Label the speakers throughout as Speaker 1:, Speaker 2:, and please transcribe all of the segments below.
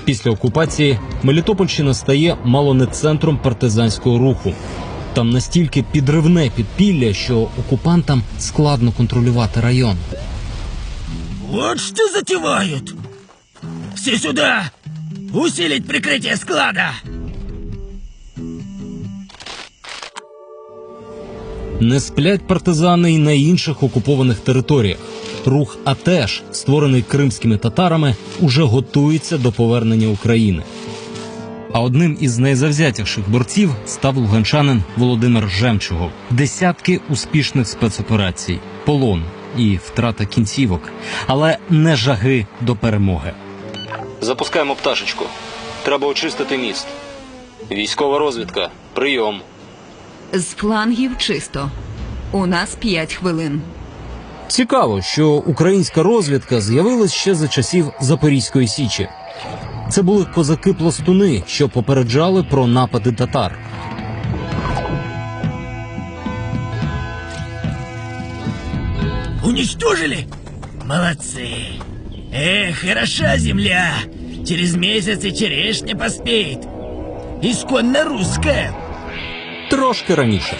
Speaker 1: Після окупації Мелітопольщина стає мало не центром партизанського руху. Там настільки підривне підпілля, що окупантам складно контролювати район.
Speaker 2: Вот что затевают! Все сюда! Усилить прикрытие склада!
Speaker 1: Не сплять партизани й на інших окупованих територіях. Рух «Атеш», створений кримськими татарами, уже готується до повернення України. А одним із найзавзятіших борців став луганчанин Володимир Жемчугов. Десятки успішних спецоперацій, полон і втрата кінцівок, але не жаги до перемоги. Запускаємо пташечку. Треба очистити міст. Військова розвідка. Прийом.
Speaker 3: З флангів чисто. У нас 5 хвилин.
Speaker 1: Цікаво, що українська розвідка з'явилась ще за часів Запорізької Січі. Це були козаки-пластуни, що попереджали про напади татар.
Speaker 2: Уничтожили? Молодцы! Эх, хороша земля! Через месяц и черешня поспеет. Исконно русская.
Speaker 1: Трошки раніше.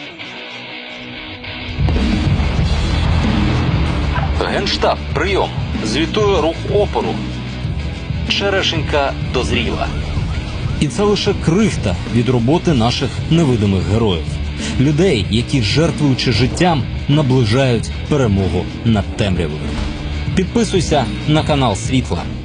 Speaker 1: Генштаб, прийом. Звітує рух опору. Черешенька дозріла. І це лише крихта від роботи наших невидимих героїв. Людей, які, жертвуючи життям, наближають перемогу над темрявою. Підписуйся на канал Світла.